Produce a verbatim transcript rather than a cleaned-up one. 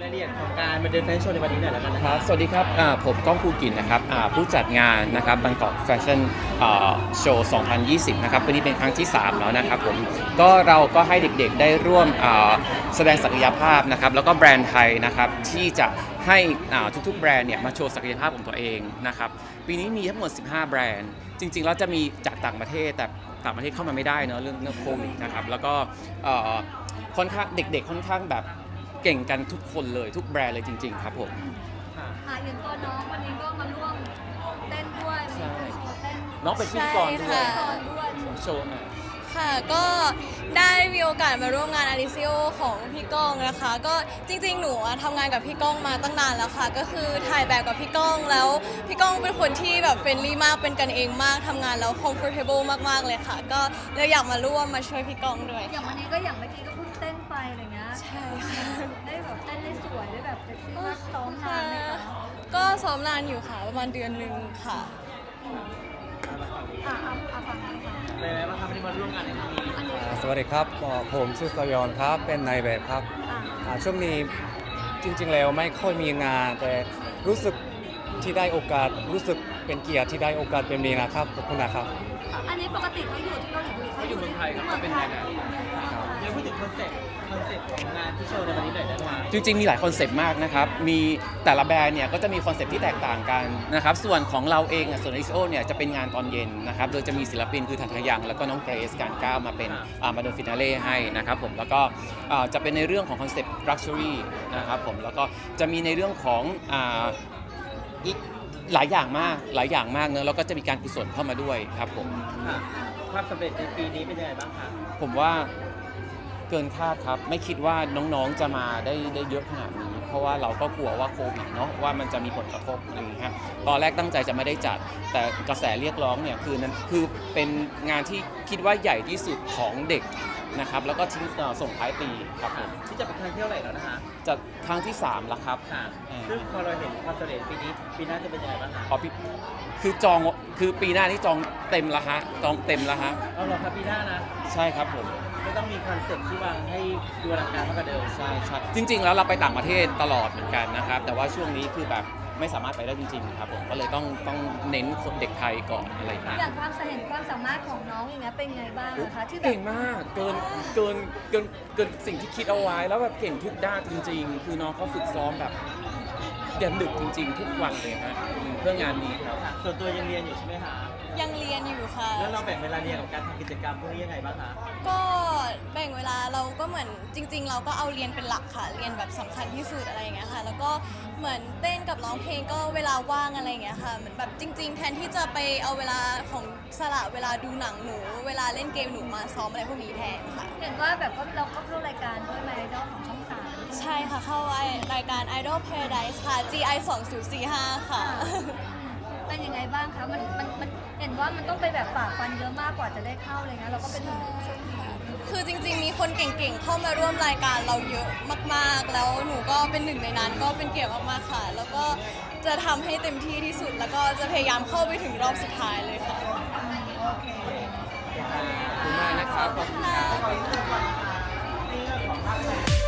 รายละเอียดของการมาเดินแฟชั่นโชว์ในวันนี้หน่อยแล้วกันนะครับสวัสดีครับผมก้องภูกินนะครับผู้จัดงานนะครับบางกอกแฟชั่นโชว์สองพันยี่สิบนะครับวันนี้เป็นครั้งที่สามแล้วนะครับผมก็เราก็ให้เด็กๆได้ร่วมแสดงศักยภาพนะครับแล้วก็แบรนด์ไทยนะครับที่จะให้ทุกๆแบรนด์เนี่ยมาโชว์ศักยภาพของตัวเองนะครับปีนี้มีทั้งหมดสิบห้าแบรนด์จริงๆแล้วจะมีจากต่างประเทศแต่ต่างประเทศเข้ามาไม่ได้เนอะเรื่องเรื่องโควิดนะครับแล้วก็ค่อนข้างเด็กๆค่อนข้างแบบเก่งกันทุกคนเลยทุกแบรนด์เลยจริงๆครับผมค่ะอย่างตัวน้องวันนี้ก็มาร่วมเต้นด้วยมีโชว์เต้นน้องเป็นพิธีกรด้วยโชว์ค่ะก็ได้มีโอกาสมาร่วมงานอาริซิโอของพี่ก้องนะคะก็จริงๆหนูทำงานกับพี่ก้องมาตั้งนานแล้วค่ะก็คือถ่ายแบบกับพี่ก้องแล้วพี่ก้องเป็นคนที่แบบเฟรนลี่มากเป็นกันเองมากทำงานแล้ว comfortable มากๆเลยค่ะก็เลยอยากมาร่วมมาช่วยพี่ก้องด้วยอย่างวันนี้ก็อย่างเมื่อกี้ก็เพิ่งเต้นไปอะไรเงี้ยใช่ค่ะได้แบบเต้นได้สวยได้แบบเซ็กซี่มากซ้อมนานไหมคะก็ซ้อมนานอยู่ค่ะประมาณเดือนหนึ่งค่ะอ่ะอ่ะอ่ะฟังกันค่ะเป็นไงบ้างครับวันนี้มาร่วมงานในครั้งนี้สวัสดีครับผมชื่อสยอนครับเป็นนายแบบครับช่วงนี้จริงๆแล้วไม่ค่อยมีงานแต่รู้สึกที่ได้โอกาสรู้สึกเป็นเกียรติที่ได้โอกาสเป็นนี้นะครับขอบคุณนะครับอันนี้ปกติเขาอยู่ที่เกาหลีหรือเขาอยู่เมืองไทยครับเป็นยังไงเดี๋ยวพูดถึงคอนเซ็ปต์คอนเซ็ปต์ของงานที่โชว์ในวันนี้หน่อยได้ไหมจริงๆมีหลายคอนเซ็ปต์มากนะครับมีแต่ละแบรนด์เนี่ยก็จะมีคอนเซ็ปต์ที่แตกต่างกันนะครับส่วนของเราเองส่วน เอ็กซ์ โอ เนี่ยจะเป็นงานตอนเย็นนะครับโดยจะมีศิลปินคือธัญญยังแล้วก็น้องเกรซการก้าวมาเป็นมาเดินฟินาเล่ให้นะครับผมแล้วก็จะเป็นในเรื่องของคอนเซ็ปต์ Luxury นะครับผมแล้วก็จะมีในเรื่องของอีกหลายอย่างมากหลายอย่างมากเนอะแล้วก็จะมีการกุศลเข้ามาด้วยครับผมความสำเร็จในปีนี้เป็นยังไงบ้างคะผมว่าเกินคาดครับไม่คิดว่าน้องๆจะมาได้ได้เยอะขนาดนี้เพราะว่าเราก็กลัวว่าโควิดเนาะว่ามันจะมีผลกระทบอะไรอย่างเงี้ยตอนแรกตั้งใจจะไม่ได้จัดแต่กระแสเรียกร้องเนี่ยคือนั้นคือเป็นงานที่คิดว่าใหญ่ที่สุดของเด็กนะครับแล้วก็ทิ้งส่งท้ายปีครับผมที่จะเป็นครั้งที่เท่าไหร่แล้วนะคะจะครั้งที่สามแล้วครับค่ะซึ่งพอเราเห็นความสำเร็จปีนี้ปีหน้าจะเป็นยังไงบ้างคะอ๋อพี่คือจองคือปีหน้าที่จองเต็มแล้วฮะจองเต็มแล้วฮะเอาเหรอครับปีหน้านะใช่ครับผมไม่ต้องมีคอนเซ็ปต์ที่วางให้ดูอลังการมากกว่าเดิมใช่ใช่จริงๆแล้วเราไปต่างประเทศตลอดเหมือนกันนะครับแต่ว่าช่วงนี้คือแบบไม่สามารถไปได้จริงๆครับผมก็เลยต้องต้องเน้นคนเด็กไทยก่อนอะไรอย่างเงี้ยอย่างความเห็นความสามารถของน้องอย่างเงี้ยเป็นไงบ้างคะที่แบบเก่งมากเกินเกินเกินเกินสิ่งที่คิดเอาไว้แล้วแบบเก่งทุกด้านจริงๆคือน้องเขาฝึกซ้อมแบบยันดึกจริงๆทุกวันเลยฮะเพื่องานนี้ครับส่วนตัวยังเรียนอยู่ใช่ไหมคะยังเรียนอยู่ค่ะแล้วเราแบ่งเวลาเรียนกับการทำกิจกรรมพวกนี้ยังไงบ้างคะก็แบ่งเวลาเราก็เหมือนจริงๆเราก็เอาเรียนเป็นหลักค่ะเรียนแบบสำคัญที่สุดอะไรอย่างเงี้ยค่ะแล้วก็เหมือนเต้นกับร้องเพลงก็เวลาว่างอะไรอย่างเงี้ยค่ะเหมือนแบบจริงๆแทนที่จะไปเอาเวลาของสละเวลาดูหนังหนูเวลาเล่นเกมหนูมาซ้อมอะไรพวกนี้แทนค่ะเห็นว่าแบบก็เราก็เข้ารายการด้วยไหมดอลของช่องสามใช่ค่ะเข้ารายการ Idol Paradise ค่ะ จี ไอ สองพันสี่สิบห้าค่ะเป็นยังไงบ้างคะมันมันมันเห็นว่ามันต้องไปแบบฝ่าฟันเยอะมากกว่าจะได้เข้าเลยนะเราก็เป็นคือจริงๆมีคนเก่งๆเข้ามาร่วมรายการเราเยอะมากๆแล้วหนูก็เป็นหนึ่งในนั้นก็เป็นเกียรติมากๆค่ะแล้วก็จะทำให้เต็มที่ที่สุดแล้วก็จะพยายามเข้าไปถึงรอบสุดท้ายเลยค่ะขอบคุณมากนะครับขอบคุณครับ